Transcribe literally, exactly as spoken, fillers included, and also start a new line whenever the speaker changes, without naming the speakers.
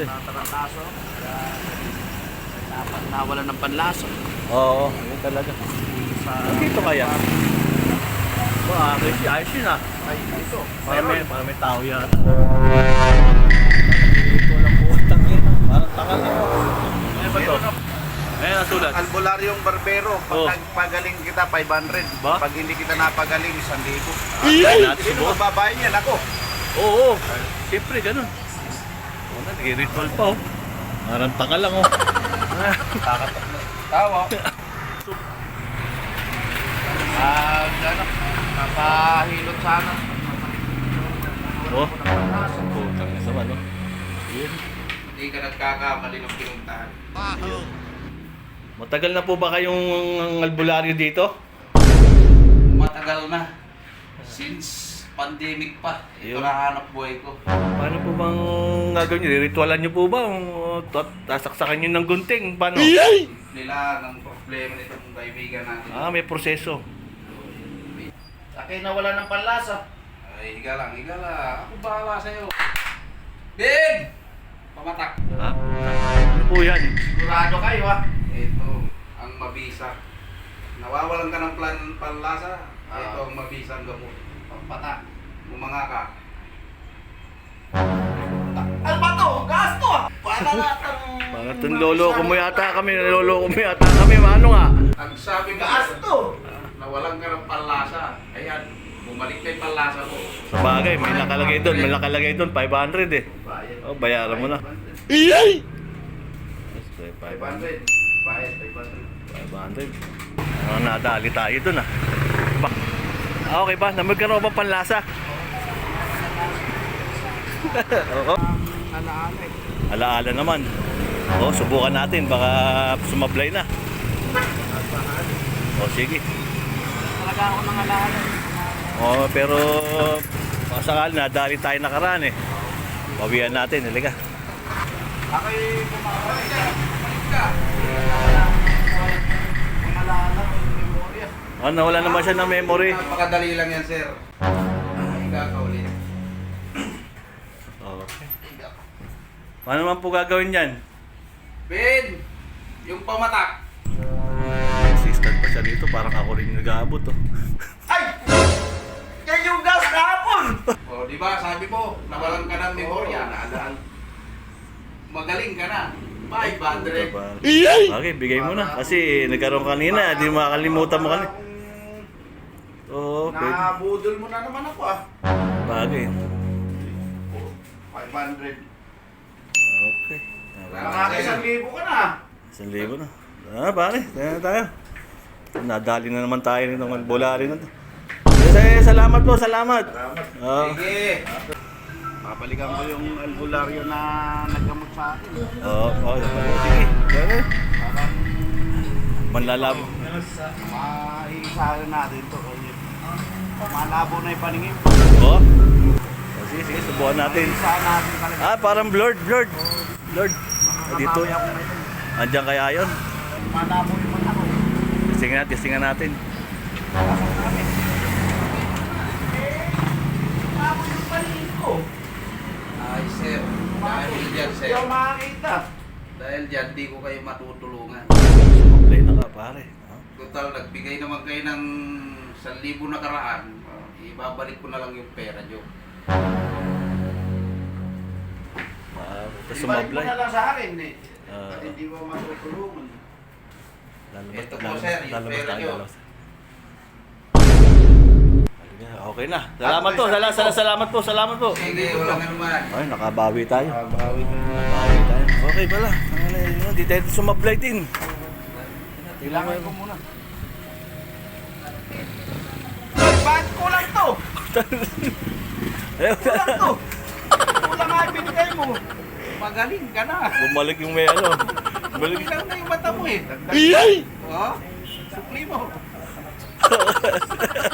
eh.
Natarataso. Dapat nawalan ng panlaso.
Oo, yun talaga.
Sa
Dito kaya? Ba, ayos yun, ayos yun ah.
ay ito.
Parang may, parang may tao yan. Dito lang po ang tangin. Parang takal na. Ano ba to? Ayan ang sulat.
Albularyong barbero. Pag
Oh.
nagpagaling kita, five hundred.
Ba?
Pag hindi kita napagaling, one thousand.
Ay! Natin
Sino
subukan.
magbabayad yan? Ako.
Oo, oo. Siyempre, ganun. Oo na, nag-ritual pa oh. Parang takal lang oh.
Kakatok na. Tawa. Ah, ano? Kapahilot sana.
Oh. Putang ina naman oh. Yun.
Hindi ka nagkakamali ng pinuntahan.
Matagal na po ba kayong albularyo dito?
Matagal na. Since pandemic pa. Ito
Yun.
na hanap buhay ko.
Paano po bang gagawin nyo? Ritualan nyo po ba? O tat- Tasaksakan nyo ng gunting? Paano?
Nila ng problema nitong kaibigan natin.
Ah, may proseso.
Akin na wala ng panlasa. Ay, higa lang, higa lang. Ako bahala sa'yo. Ben! Pamatak.
Ha? Ano po yan?
Sigurado kayo ha. Ito, ang mabisa. Nawawalan ka ng plan panlasa. Ito ang mabisang gamot. Pampatak. Bumanga ka. Ano ba to? Gasto ah! Para natang...
Parang itong lolo ko mo yata kami. Lolo ko mo yata kami. Ano nga?
Ang sabi gasto! Nawalan ka ng panlasa. Ayan, bumalik na yung panlasa mo.
Sa bagay, may nakalagay doon. May nakalagay doon. five hundred eh.
Bayad.
Oh, bayaran mo na.
Iyay!
five
five hundred. Bayad, five hundred.
five hundred. Ah, nadali tayo doon ah. Ba? Ah, okay ba? Namagkaroon ba panlasa? Oo.
Alaala eh.
Alaala naman. Oo, subukan natin. Baka sumablay na. O, sige.
Talaga ako ng alaala eh.
Oo, pero pasakal nadali tayo nakaraan eh. Pawian natin, halika.
Ako'y kumakain ka. Bumalik ka. Ang alaala ko yung memorya.
Oh, nawala naman siya ng memory.
Napakadali lang yan, sir. Higa ka ulit.
Okay. Paano naman po gagawin yan?
Ben! Yung pamatak.
Assistant pa siya dito, parang ako rin nag-aabot oh.
Ay! Yan yung gas kahapon! O, di ba? Sabi mo, nawalan ka ng memorya. Naalaan. Magaling ka na. five hundred.
Okay, bigay mo na. Kasi nagkaroon kanina, di makakalimutan mo kanina. Oo, pwede.
Nabudol mo na naman ako ah.
Bagay.
five hundred.
Okay.
Nakakisang libo ka na.
Isang libo na. Ah, pare, tayo na tayo. Nadali na naman tayo nitong albularyo na to. Yes, salamat po, salamat.
Salamat.
Oo.
Sige. Babalikan ko yung albularyo na naggamot sa akin.
Oo, oo, sige. Ganun. Manlalabo.
Maiisahan natin to. Malabo na yung paningin.
Oo. Oh, sige, sige, subukan natin.
Maiisahan natin talaga.
Ah, parang blurred, blurred. Blurred. Ah, dito.
Makabawi ako na ito.
Andiyan kaya yun?
Malabo yung mata ko.
Testing natin, testingan natin.
Pasok kami. Malabo yung paningin ko. Ay, sir. Dahil dyan, sir. Hindi ako makakita. Dahil dyan, di ko kayo matutulungan.
Play na ka, pare. Ah.
Total, nagbigay naman kayo ng one thousand na karaan. Ibabalik ko na lang yung pera nyo.
Ah, tapos
Ibalik mo
sumablay.
na lang sa akin eh.
Ah.
At hindi mo matutulungan.
Lalabas,
Ito po,
lalabas,
sir, yung
lalabas
pera
tayo,
nyo.
lalabas. Okay na. Salamat po, salamat, salamat, salamat po, salamat po.
Sige, walang anuman.
Ay, nakabawi tayo.
Kabawi ko.
Nakabawi tayo. Okay pala. Ano yun, Hindi tayo sumablay din.
Kailangan ko muna. Ay, bakit kulang to?
Ayun.
Kulang to. Kulang nga yung binigay mo. Magaling ka na.
Bumalik yung may ano. Bumalik.
Kulang na yung mata mo eh.
Iyay!
Oh, supli mo.